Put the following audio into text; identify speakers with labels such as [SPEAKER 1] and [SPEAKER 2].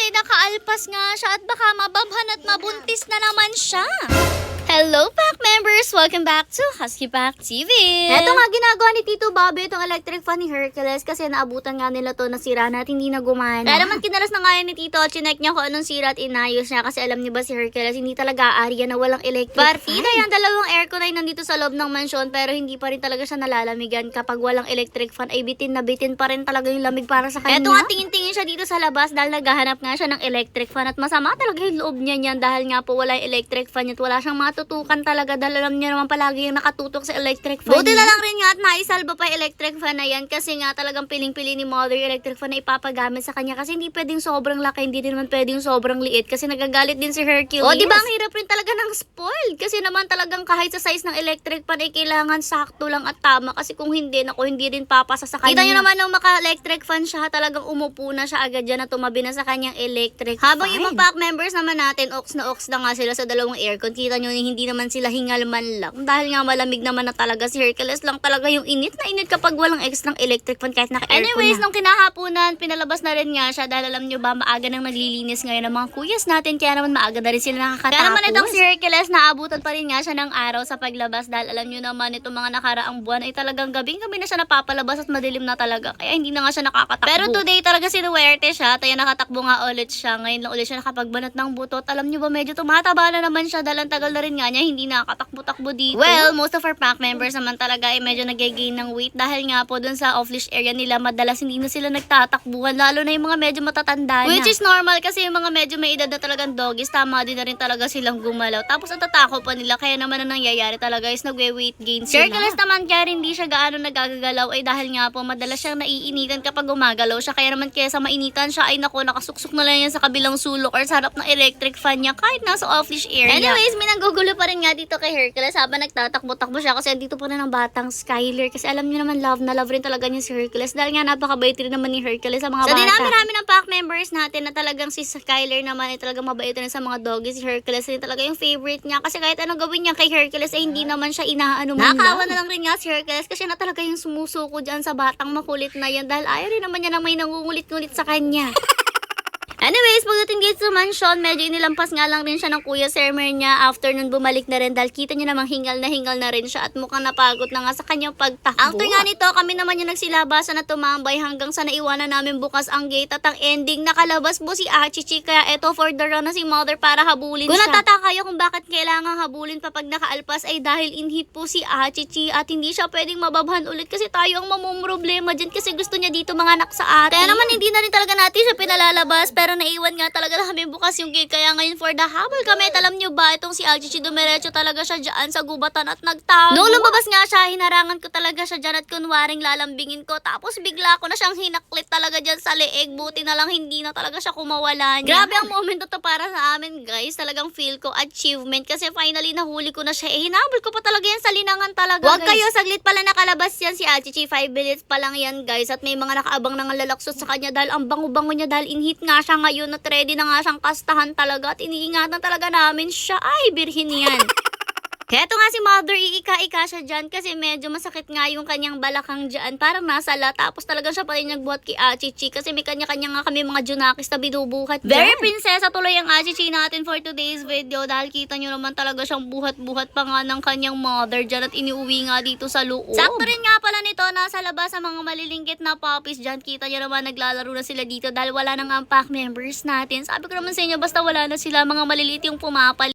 [SPEAKER 1] ay nakaalpas nga siya at baka mababhan at mabuntis na naman siya. Hello, Pack members! Welcome back to Husky Pack TV! Eto nga ginagawa ni Tito Bobby itong electric fan ni Hercules kasi naabutan nga nila to na sira na at hindi na gumana. Kaya naman kinalas na nga yan ni Tito at chinek niya kung anong sira at inayos niya kasi alam niyo ba si Hercules hindi talaga aarya na walang electric fan. Partida yan, dalawang aircon ay nandito sa loob ng mansyon pero hindi pa rin talaga siya nalalamigan kapag walang electric fan ay bitin na bitin pa rin talaga yung lamig para sa kanya. Eto nga tingin-tingin siya dito sa labas dahil naghahanap nga siya ng electric fan at masama talaga yung loob niya niyan dahil nga po wala yung electric fan at wala siyang matutukan talaga dahil alam niya naman palagi yung nakatutok sa electric fan. Buti na lang rin nga at naisalba pa yung electric fan na yan kasi nga talagang piling-pili ni Mother yung electric fan na ipapagamit sa kanya kasi hindi pwedeng sobrang laki, hindi din naman pwedeng sobrang liit kasi nagagalit din si Hercules. O diba ang hirap rin talaga ng spoiled kasi naman talagang kahit sa size ng electric fan ay kailangan sakto lang at tama kasi kung hindi, naku, hindi rin papasa sa kanya. Kita nyo naman nung maka-electric fan siya, talagang umupo na siya agad dyan na tumabi na sa kanyang electric fan. Habang ibang pack members naman natin, ox na nga sila sa dalawang aircon. Kita nyo hindi naman sila hingal man lang dahil nga malamig naman na talaga si Hercules lang talaga yung init na init kapag walang extra electric fan kahit naka-aircon. Anyways, nung kinahaponan, pinalabas na rin nga siya dahil alam nyo ba, maaga nang naglilinis ngayon ng mga kuyas natin kaya naman maaga na rin sila nakakatapos. Kaya naman itong si Hercules, naabutan pa rin nga siya ng araw sa paglabas dahil alam nyo naman itong mga nakaraang buwan ay talagang gabing-gabi na siya napapalabas at madilim na talaga kaya hindi na nga siya nakakatakbo. Pero today talaga sinuwerte siya, tayo nakatakbo nga ulit siya. Ngayon lang ulit siya nakapagbanat ng butot. Alam nyo ba, medyo tumataba na naman siya dahil ang tagal na rin nga niya hindi nakatakbo-takbo dito. Well, most of our pack members naman talaga ay medyo nag-gain ng weight dahil nga po dun sa off-leash area nila madalas hindi na sila nagtatakbuhan lalo na yung mga medyo matatanda na. Which is normal kasi yung mga medyo may edad na talagang doggies, tama din na rin talaga silang gumalaw. Tapos ang tatako pa nila kaya naman ang nangyayari talaga is nagwe-weight gain sila. Hercules naman kaya hindi siya gaano nagagalaw ay dahil nga po madalas siyang naiinitan kapag gumagalaw siya kaya naman kesa mainitan siya ay nako nakasuksok na lang yan sa kabilang sulok or sa harap ng electric fan niya kahit nasa off-leash area. Anyways, may nanggugulo pa rin nga dito kay Hercules habang nagtatakbo-takbo siya kasi dito pa rin ang batang Skyler kasi alam niyo naman love na love rin talaga niya si Hercules dahil nga napakabait rin naman ni Hercules sa mga bata. So dinami-rami ng pack members natin na talagang si Skyler naman ay talagang mabait rin sa mga doggies. Si Hercules rin talaga yung favorite niya kasi kahit anong gawin niya kay Hercules ay hindi naman siya inaano man lang. Nakakawa na lang rin nga si Hercules kasi na talaga yung sumusuko dyan sa batang makulit na yan dahil ayaw rin naman niya na may nangungulit-ngulit sa kanya. Anyways, pagdating dito sa mansion, medyo inilampas nga lang rin siya ng Kuya Sermer niya. After nun, bumalik na rin dahil kita niyo namang hingal na rin siya at mukhang napagod na nga sa kanyang pagtakbo. After nga nito, kami naman yung nagsilabasan na tumambay hanggang sa naiwanan namin bukas ang gate at ang ending, nakalabas po si Achichi. Kaya eto for the run na si Mother para habulin siya. Kung natataka kayo kung bakit kailangan habulin pa pag nakaalpas ay dahil inhit po si Achichi at hindi siya pwedeng mababhan ulit kasi tayo ang mamumroblema dyan kasi gusto niya dito mga anak sa atin. Kaya naman hindi na rin talaga natin siya pinalalabas pero naiwan nga talaga namin bukas yung gate kaya ngayon for the habol kami. Alam nyo ba, itong si Achichi dumiretso talaga siya dyan sa gubatan at nagtago. Noong lumabas nga siya, hinarangan ko talaga siya dyan at kunwaring lalambingin ko. Tapos bigla ko na siyang hinaklit talaga dyan sa leeg. Buti na lang hindi na talaga siya kumawala niya. Grabe ang moment to para sa amin guys. Talagang feel ko achievement kasi finally nahuli ko na siya. Hinabol ko pa talaga yan sa linangan talaga. Huwag kayo, saglit pala nakalabas yan si Achichi. 5 minutes pa lang yan guys at may mga nakaabang nang lalaksot sa kanya dahil ang bango-bango niya dahil inhit nga siya ngayon at ready na nga siyang kastahan talaga at iniingatan talaga namin siya. Ay, birhin yan. Kaya ito nga si Mother, iika-ika siya dyan kasi medyo masakit nga yung kanyang balakang dyan. Parang nasala. Tapos talagang siya pa rin nagbuhat kay Achichi kasi may kanya-kanya nga kami mga junakis na binubuhat dyan. Very prinsesa tuloy ang Achichi natin for today's video dahil kita nyo naman talaga siyang buhat-buhat pa nga ng kanyang mother dyan at iniuwi nga dito sa loob. Sakto rin nga pala nito, nasa labas sa mga malilinggit na puppies dyan. Kita nyo naman naglalaro na sila dito dahil wala nang ang pack members natin. Sabi ko naman sa inyo, basta wala na sila, mga maliliit yung pumapalit.